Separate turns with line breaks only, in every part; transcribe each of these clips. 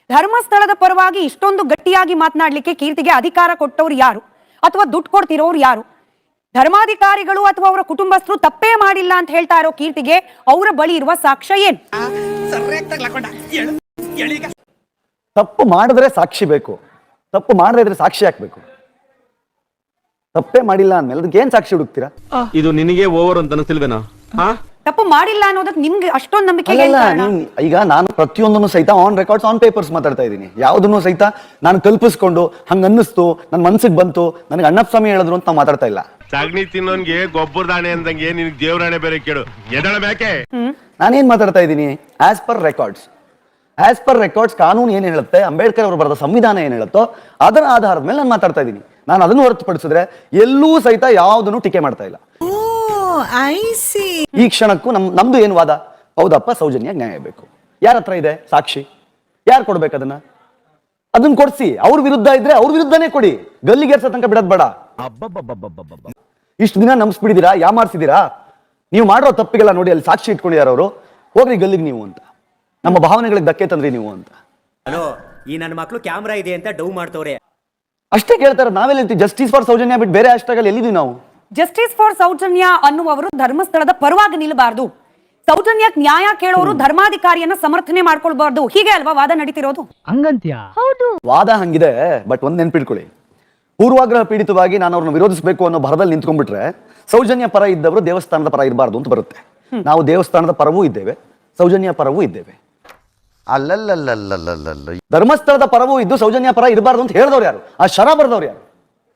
ಧರ್ಮಸ್ಥಳದ ಪರವಾಗಿ ಇಷ್ಟೊಂದು ಗಟ್ಟಿಯಾಗಿ ಮಾತನಾಡ್ಲಿಕ್ಕೆ ಕೀರ್ತಿಗೆ ಅಧಿಕಾರ ಕೊಟ್ಟವ್ರು ಯಾರು ಅಥವಾ ದುಡ್ಡು ಕೊಡ್ತಿರೋರು ಯಾರು? ಧರ್ಮಾಧಿಕಾರಿಗಳು ಅಥವಾ ಅವರ ಕುಟುಂಬಸ್ಥರು ತಪ್ಪೇ ಮಾಡಿಲ್ಲ ಅಂತ ಹೇಳ್ತಾ ಇರೋ ಕೀರ್ತಿಗೆ ಅವರ ಬಳಿ ಇರುವ ಸಾಕ್ಷ್ಯ ಏನು?
ತಪ್ಪು ಮಾಡಿದ್ರೆ ಸಾಕ್ಷಿ ಬೇಕು, ತಪ್ಪು ಮಾಡದೇ ಇದ್ರೆ ಸಾಕ್ಷಿ ಹಾಕ್ಬೇಕು. ತಪ್ಪೇ ಮಾಡಿಲ್ಲ ಅಂದ್ಮೇಲೆ ಅದಕ್ಕೆ ಏನ್ ಸಾಕ್ಷಿ ಹುಡುಕ್ತೀರಾ?
ಇದು ನಿನಗೆ ಓವರ್ ಅಂತ ಅನಿಸ್ತಿಲ್ವೇನೋ?
ತಪ್ಪು ಮಾಡಿಲ್ಲ ಅನ್ನೋದಕ್ಕೆ ನಿಮ್ಗೆ ಅಷ್ಟೊಂದು ನಂಬಿಕೆ?
ಈಗ ನಾನು ಪ್ರತಿಯೊಂದನ್ನು ಸಹಿತ ಆನ್ ರೆಕಾರ್ಡ್ಸ್ ಆನ್ ಪೇಪರ್ಸ್ ಮಾತಾಡ್ತಾ ಇದ್ದೀನಿ. ಯಾವುದನ್ನು ಸಹಿತ ನಾನು ಕಲ್ಪಿಸ್ಕೊಂಡು ಹಂಗ ಅನ್ನಿಸ್ತು, ನನ್ನ ಮನ್ಸಿಗೆ ಬಂತು, ನನಗೆ ಅಣ್ಣಪ್ಪ ಸ್ವಾಮಿ ಹೇಳಿದ್ರು ಅಂತ ನಾವು ಮಾತಾಡ್ತಾ ಇಲ್ಲ.
ಸಗಣಿ ತಿನ್ನೋನ್ಗೆ ಗೊಬ್ಬರ ದಾಣೆ ಅಂದಂಗೆ ನಿನಗೆ ದೇವರಾಣೆ ಬೇರೆ ಕೇಳು. ಎದಳ ಬೇಕೆ?
ನಾನೇನ್ ಮಾತಾಡ್ತಾ ಇದ್ದೀನಿ? ಆಸ್ ಪರ್ ರೆಕಾರ್ಡ್ಸ್ ಕಾನೂನು ಏನ್ ಹೇಳುತ್ತೆ, ಅಂಬೇಡ್ಕರ್ ಅವರು ಬರೆದ ಸಂವಿಧಾನ ಏನ್ ಹೇಳುತ್ತೋ ಅದರ ಆಧಾರದ ಮೇಲೆ ನಾನು ಮಾತಾಡ್ತಾ ಇದ್ದೀನಿ. ನಾನು ಅದನ್ನು ಹೊರತುಪಡಿಸಿದ್ರೆ ಎಲ್ಲೂ ಸಹಿತ ಯಾವುದನ್ನು ಟೀಕೆ ಮಾಡ್ತಾ ಇಲ್ಲ. ಈ ಕ್ಷಣಕ್ಕೂ ನಮ್ದು ಏನ್ ವಾದ? ಹೌದಪ್ಪ, ಸೌಜನ್ಯ ನ್ಯಾಯ ಬೇಕು. ಯಾರ ಹತ್ರ ಇದೆ ಸಾಕ್ಷಿ? ಯಾರು ಕೊಡ್ಬೇಕು ಅದನ್ನ ಕೊಡ್ಸಿ. ಅವ್ರ ವಿರುದ್ಧ ಇದ್ರೆ ಅವ್ರ ವಿರುದ್ಧನೇ ಕೊಡಿ. ಗಲ್ಲಿಗೇರ್ಸೋ ತನಕ ಬಿಡೋದ್ ಬೇಡ. ಇಷ್ಟು ದಿನ ನಂಬಿಸ್ಬಿಡಿದೀರಾ, ಯಾಮಾರ್ಸಿದೀರಾ. ನೀವು ಮಾಡೋ ತಪ್ಪಿಗೆಲ್ಲ ನೋಡಿ ಅಲ್ಲಿ ಸಾಕ್ಷಿ ಇಟ್ಕೊಂಡಿದಾರ ಅವರು. ಹೋಗ್ರಿ ಗಲ್ಲಿಗೆ ನೀವು ಅಂತ, ನಮ್ಮ ಭಾವನೆಗಳಿಗೆ ಧಕ್ಕೆ ತಂದ್ರಿ ನೀವು ಅಂತ.
ಹಲೋ, ಈ ನನ್ನ ಮಕ್ಳು ಕ್ಯಾಮ್ರಾ ಇದೆ ಅಂತ ಡೌ ಮಾಡ್ತವ್ರೆ
ಅಷ್ಟೇ ಕೇಳ್ತಾರೆ. ನಾವೆಲ್ಲ ಜಸ್ಟಿಸ್ ಫಾರ್ ಸೌಜನ್ಯ ಬಿಟ್ಟು ಬೇರೆ hashtag ಅಲ್ಲಿ ಎಲ್ಲಿದ್ದೀವಿ ನಾವು?
ಜಸ್ಟಿಸ್ ಫಾರ್ ಸೌಜನ್ಯ ಅನ್ನುವವರು ಧರ್ಮಸ್ಥಳದ ಪರವಾಗಿ ನಿಲ್ಲಬಾರದು, ಸೌಜನ್ಯಕ್ಕೆ ನ್ಯಾಯ ಕೇಳೋರು ಧರ್ಮಾಧಿಕಾರಿಯನ್ನ ಸಮರ್ಥನೆ ಮಾಡ್ಕೊಳ್ಬಾರ್ದು, ಹೀಗೆ ಅಲ್ವಾ ವಾದ ನಡೀತಿರೋದು?
ಹಂಗಂತ್ಯಾ?
ಹೌದು,
ವಾದ ಹಂಗಿದೆ. ಬಟ್ ಒಂದ್ ನೆನ್ಪಿಟ್ಕೊಳ್ಳಿ, ಪೂರ್ವಾಗ್ರಹ ಪೀಡಿತವಾಗಿ ನಾನು ಅವ್ರನ್ನ ವಿರೋಧಿಸಬೇಕು ಅನ್ನೋ ಭರದಲ್ಲಿ ನಿಂತ್ಕೊಂಡ್ಬಿಟ್ರೆ ಸೌಜನ್ಯ ಪರ ಇದ್ದವರು ದೇವಸ್ಥಾನದ ಪರ ಇರಬಾರ್ದು ಅಂತ ಬರುತ್ತೆ. ನಾವು ದೇವಸ್ಥಾನದ ಪರವೂ ಇದ್ದೇವೆ, ಸೌಜನ್ಯ ಪರವೂ ಇದ್ದೇವೆ.
ಅಲ್ಲಲ್ಲಲ್ಲಲ್ಲಲ್ಲ,
ಧರ್ಮಸ್ಥಳದ ಪರವೂ ಇದ್ದು ಸೌಜನ್ಯ ಪರ ಇರಬಾರ್ದು ಅಂತ ಹೇಳಿದವ್ರು ಯಾರು? ಆ ಶರ ಬರೆದವ್ರು ಯಾರು?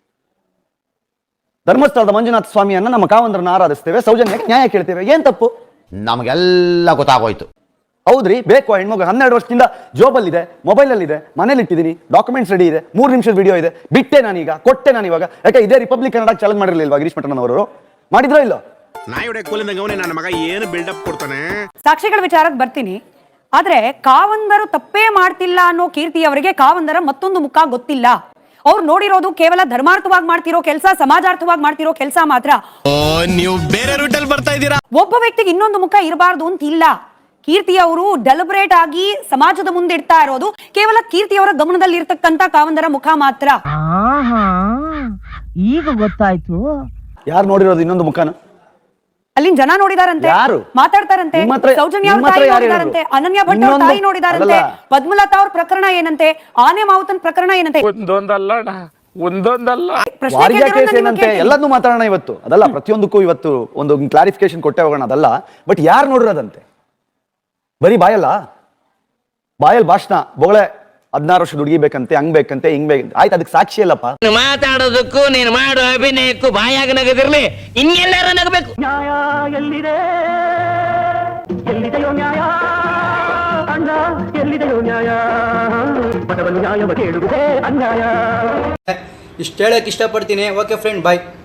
ಧರ್ಮಸ್ಥಳದ ಮಂಜುನಾಥ ಸ್ವಾಮಿಯನ್ನ ನಮ್ಮ ಕಾವಂದ್ರನ್ನ ಆರಾಧಿಸ್ತೇವೆ, ಸೌಜನ್ಯಕ್ಕೆ ನ್ಯಾಯ ಕೇಳ್ತೇವೆ. ಏನ್ ತಪ್ಪು?
ನಮಗೆಲ್ಲ ಗೊತ್ತಾಗೋಯ್ತು.
ಹೌದ್ರಿ, ಬೇಕು ಹೆಣ್ಮಗು 12 ವರ್ಷದಿಂದ ಜೋಬಲ್ಲಿದೆ, ಮೊಬೈಲ್ ಅಲ್ಲಿ ಇದೆ, ಮನೇಲಿ ಇಟ್ಟಿದ್ದೀನಿ, ಡಾಕ್ಯುಮೆಂಟ್ಸ್ ರೆಡಿ ಇದೆ, 3 ನಿಮಿಷದ ವಿಡಿಯೋ ಇದೆ. ಬಿಟ್ಟೆ ನಾನೀಗ, ಕೊಟ್ಟೆ ನಾನು ಇವಾಗ. ಯಾಕೆ ಇದೇ ರಿಪಬ್ಲಿಕ್ ಕನ್ನಡ ಚಾಲೆಂಜ್ ಮಾಡಿರ್ಲಿಲ್ವಾ ಗಿರೀಶ್ ಮಠನವರು? ಮಾಡಿದ್ರೋ ಇಲ್ಲೋ?
ನನ್ನ ಮಗ ಏನು ಬಿಲ್ಡಪ್ ಕೊಡ್ತಾನೆ.
ಸಾಕ್ಷಿಗಳ ವಿಚಾರಕ್ಕೆ ಬರ್ತೀನಿ. ಆದ್ರೆ ಕಾವಂದರು ತಪ್ಪೇ ಮಾಡ್ತಿಲ್ಲ ಅನ್ನೋ ಕೀರ್ತಿ ಅವರಿಗೆ ಕಾವಂದರ ಮತ್ತೊಂದು ಮುಖ ಗೊತ್ತಿಲ್ಲ. ಅವ್ರು ನೋಡಿರೋದು ಕೇವಲ ಧರ್ಮಾರ್ಥವಾಗಿ ಮಾಡ್ತಿರೋ ಕೆಲಸ, ಸಮಾಜಾರ್ಥವಾಗಿ ಮಾಡ್ತಿರೋ ಕೆಲಸ ಮಾತ್ರ.
ನೀವು ಬೇರೆ ರೂಟಲ್ಲಿ ಬರ್ತಾ ಇದ್ದೀರಾ.
ಒಬ್ಬ ವ್ಯಕ್ತಿಗೆ ಇನ್ನೊಂದು ಮುಖ ಇರಬಾರ್ದು ಅಂತ ಇಲ್ಲ. ಕೀರ್ತಿ ಅವರು ಡೆಲಿಬ್ರೇಟ್ ಆಗಿ ಸಮಾಜದ ಮುಂದೆ ಇಡ್ತಾ ಇರೋದು ಕೇವಲ ಕೀರ್ತಿ ಅವರ ಗಮನದಲ್ಲಿ ಇರ್ತಕ್ಕಂತ ಕಾವಂದರ ಮುಖ ಮಾತ್ರ.
ಈಗ ಗೊತ್ತಾಯ್ತು.
ಯಾರು ನೋಡಿರೋದು ಇನ್ನೊಂದು ಮುಖನ?
ಅಲ್ಲಿನ ಜನ ನೋಡಿದಾರಂತೆ, ಮಾತಾಡ್ತಾರಂತೆ. ಸೌಜನ್ಯ ಅವ್ರ ತಾಯಿ ನೋಡಿದಾರಂತೆ, ಅನನ್ಯ ಭಟ್ ಅವ್ರ ತಾಯಿ ನೋಡಿದಾರಂತೆ, ಪದ್ಮಲತಾ ಅವ್ರ ಪ್ರಕರಣ ಏನಂತೆ, ಆನೆ ಮಾವುತನ್ ಪ್ರಕರಣ ಏನಂತೆ,
ಎಲ್ಲದನ್ನೂ ಮಾತಾಡೋಣ ಇವತ್ತು. ಅದಲ್ಲ, ಪ್ರತಿಯೊಂದಕ್ಕೂ ಇವತ್ತು ಒಂದು ಕ್ಲಾರಿಫಿಕೇಶನ್ ಕೊಟ್ಟೆ ಹೋಗೋಣ. ಅದಲ್ಲ, ಬಟ್ ಯಾರು ನೋಡಿರೋದಂತೆ? ಬರೀ ಬಾಯಲ್ ಭಾಷಣ, ಬೊಗಳೆ 16 ವರ್ಷದ ಹುಡುಗಿ ಬೇಕಂತೆ, ಹಂಗ್ ಬೇಕಂತೆ, ಹಿಂಗ್ ಬೇಕಂತೆ. ಆಯ್ತು, ಅದಕ್ಕೆ ಸಾಕ್ಷಿ ಅಲ್ಲಪ್ಪ.
ಮಾತಾಡೋದಕ್ಕೂ ನೀನು ಮಾಡೋ ಅಭಿನಯಕ್ಕೂ ಬಾಯಾಗ ನಗದಿರ್ಲಿ, ಇನ್ನೆಲ್ಲಾರ ನಗಬೇಕು.
ನ್ಯಾಯ ಎಲ್ಲಿದೆ? ಎಲ್ಲಿದೆಯೋ ನ್ಯಾಯ? ಅಣ್ಣ ಎಲ್ಲಿದೆಯೋ ನ್ಯಾಯ? ಬಡವನು ನ್ಯಾಯವ ಕೇಳುವುದೇ ಅನ್ಯಾಯ.
ಇಷ್ಟು ಹೇಳಕ್ ಇಷ್ಟಪಡ್ತೀನಿ. ಓಕೆ ಫ್ರೆಂಡ್, ಬಾಯ್.